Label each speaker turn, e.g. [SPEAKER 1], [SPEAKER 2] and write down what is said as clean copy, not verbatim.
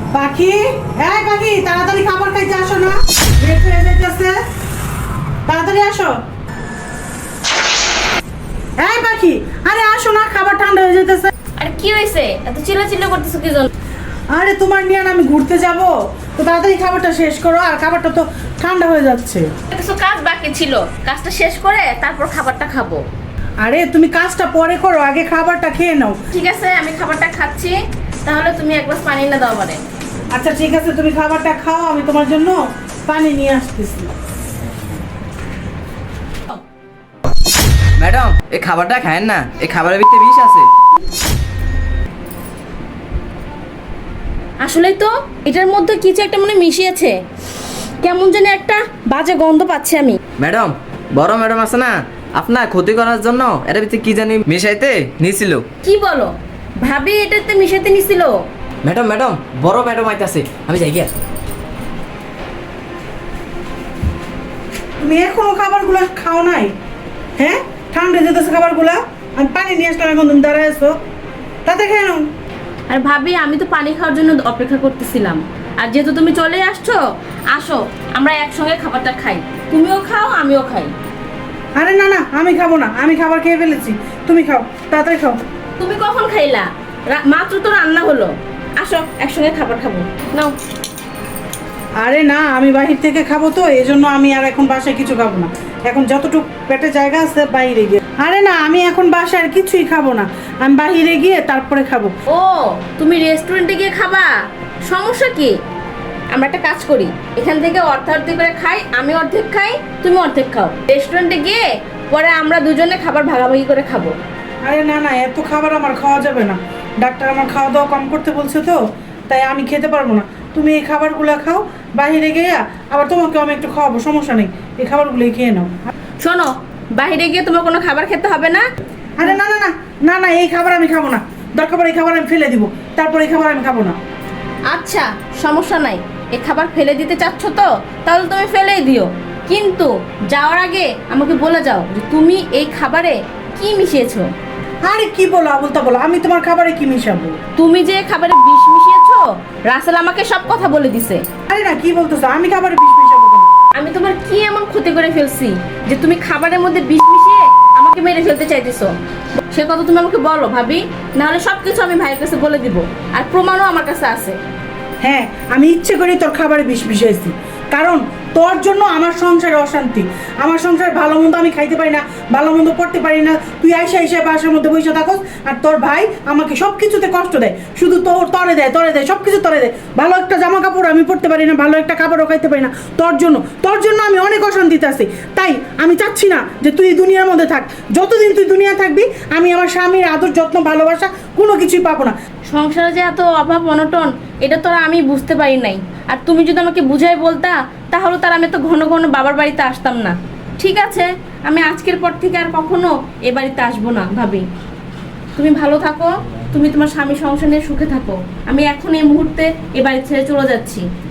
[SPEAKER 1] পাখি, এই পাখি, তাড়াতাড়ি খাবার খাইতে আসো না, লেট হয়ে যাইতেছে, তাড়াতাড়ি আসো। এই পাখি, আরে আসো না, খাবার ঠান্ডা হয়ে যাইতেছে।
[SPEAKER 2] আরে কি হয়েছে, এত চিল্লাচিল্লি করতেছো কি জন্য?
[SPEAKER 1] আরে তোমার নিয়ে আমি ঘুরতে যাব, তো তাড়াতাড়ি খাবারটা শেষ করো, আর খাবারটা তো ঠান্ডা হয়ে যাচ্ছে।
[SPEAKER 2] কিছু কাজ বাকি ছিল, কাজটা শেষ করে তারপর খাবারটা খাবো।
[SPEAKER 1] আরে তুমি কাজটা পরে করো, আগে খাবারটা খেয়ে নাও।
[SPEAKER 2] ঠিক আছে, আমি খাবারটা খাচ্ছি, তাহলে তুমি এক গ্লাস পানি এনে দাও আমারে।
[SPEAKER 1] আচ্ছা ঠিক আছে, তুমি খাবারটা খাও, আমি তোমার জন্য পানি নিয়ে আসতেছি।
[SPEAKER 3] ম্যাডাম, এই খাবারটা খায়েন না, এই খাবারের ভিতরে বিষ আছে।
[SPEAKER 2] আসলেই তো, এটার মধ্যে কিছু একটা মনে মিশিয়েছে, কেমন জানি একটা বাজে গন্ধ পাচ্ছি আমি।
[SPEAKER 3] ম্যাডাম, বড় ম্যাডাম আছে না, আপনার ক্ষতি করার জন্য এর ভিতরে কি জানি মিশাইতে নিয়েছিল।
[SPEAKER 2] কি বলো, ভাবি এটাতে মিশাতে নিছিল?
[SPEAKER 3] ম্যাডাম ম্যাডাম, বড় ম্যাডাম আইতাছে, আমি যাই গিয়া।
[SPEAKER 1] তুমি এখনো খাবারগুলো খাও নাই? হ্যাঁ, ঠান্ডা যেতেছে খাবারগুলা, আমি পানি নিয়ে আসলাম, এখন তুমি দাঁড়ায় আছো, তাতে খেয়ে নাও।
[SPEAKER 2] আর ভাবি, আমি তো পানি খাওয়ার জন্য অপেক্ষা করতেছিলাম, আর যেহেতু তুমি চলে আসছো, আসো আমরা একসঙ্গে খাবারটা খাই, তুমিও খাও আমিও খাই।
[SPEAKER 1] আরে না না, আমি খাবো না, আমি খাবার খেয়ে ফেলেছি, তুমি খাও, তাড়াতাড়ি খাও।
[SPEAKER 2] তুমি কখন খাইলা? মাত্র তো রান্না হলো, আসো একসঙ্গে খাবার খাবো, নাও।
[SPEAKER 1] আরে না, আমি বাহির থেকে খাবো, তো এই জন্য আমি আর এখন বাসায় কিছু খাবো না, এখন যতটুকু পেটে জায়গা আছে বাইরে গিয়ে। আরে না, আমি এখন বাসায় আর কিছুই খাবো না, আমি বাহিরে গিয়ে তারপরে খাবো।
[SPEAKER 2] ও, তুমি রেস্টুরেন্টে গিয়ে খাবা? সমস্যা কি? আমরা একটা কাজ করি, এখান থেকে অর্ধেক করে খাই, আমি অর্ধেক খাই, তুমি অর্ধেক খাও, রেস্টুরেন্টে গিয়ে পরে আমরা দুজনে খাবার ভাগাভাগি করে খাবো।
[SPEAKER 1] আরে না না, এত খাবার আমার খাওয়া যাবে না, ডাক্তার আমার খাওয়া দাওয়া কম করতে বলছে, তো তাই আমি খেতে পারবো না। তুমি এই খাবারগুলো খাও, বাইরে গিয়ে আবার তোমাকেও আমি একটু খাওয়াবো, সমস্যা নেই, এই খাবারগুলোই খেয়ে নাও।
[SPEAKER 2] শোনো, বাইরে গিয়ে তোমার কোনো খাবার খেতে হবে না।
[SPEAKER 1] আরে না না না না না, এই খাবার আমি খাবো না, দরকার পড়ে এই খাবার আমি ফেলে দিব, তারপর এই খাবার আমি খাবো না।
[SPEAKER 2] আচ্ছা, সমস্যা নাই, এই খাবার ফেলে দিতে চাচ্ছ তো, তাহলে তুমি ফেলেই দিও, কিন্তু যাওয়ার আগে আমাকে বলে যাও যে তুমি এই খাবারে কি মিশিয়েছো।
[SPEAKER 1] আরে কি বলো আবুল তা বলো, আমি তোমার খাবারে কি মিশাবো?
[SPEAKER 2] তুমি যে খাবারে বিষ মিশিয়েছো, রাসেল আমাকে সব কথা বলে দিছে।
[SPEAKER 1] আরে না, কি বলতেছো, আমি খাবারে বিষ মিশাবো কেন?
[SPEAKER 2] আমি তোমার কি এমন ক্ষতি করে ফেলছি যে তুমি খাবারের মধ্যে বিষ মিশিয়ে আমাকে মেরে ফেলতে চাইতেছো? সে কথা তুমি আমাকে বলো ভাবি, নাহলে সবকিছু আমি ভাইয়ের কাছে বলে দিব, আর প্রমাণও আমার কাছে আছে।
[SPEAKER 1] হ্যাঁ, আমি ইচ্ছে করে তোর খাবারে বিষ মিশাইছি, কারণ তোর জন্য আমার সংসারে অশান্তি, আমার সংসারে ভালো মন্দ আমি খাইতে পারি না, ভালো মন্দ পড়তে পারি না, তুই আইসা আইসা বাসার মধ্যে বসে থাকস, আর তোর ভাই আমাকে সব কিছুতে কষ্ট দেয়, শুধু তরে দেয় সব কিছু তরে দেয়, ভালো একটা জামা কাপড় আমি পরতে পারি না, ভালো একটা খাবারও খাইতে পারি না, তোর জন্য আমি অনেক অশান্তিতে আছি। তাই আমি চাচ্ছি না যে তুই দুনিয়ার মধ্যে থাক, যতদিন তুই দুনিয়া থাকবি আমি আমার স্বামীর আদর যত্ন ভালোবাসা কোনো কিছুই পাবো না।
[SPEAKER 2] সংসারে যে এত অভাব অনটন, এটা তো আর আমি বুঝতে পারি নাই, আর তুমি যদি আমাকে বুঝাই বলতা, তাহলে তার আমি তো ঘন ঘন বাবার বাড়িতে আসতাম না। ঠিক আছে, আমি আজকের পর থেকে আর কখনো এ বাড়িতে আসবো না ভাবি। তুমি ভালো থাকো, তুমি তোমার স্বামী সংসার নিয়ে সুখে থাকো, আমি এখন এই মুহূর্তে এ বাড়ি ছেড়ে চলে যাচ্ছি।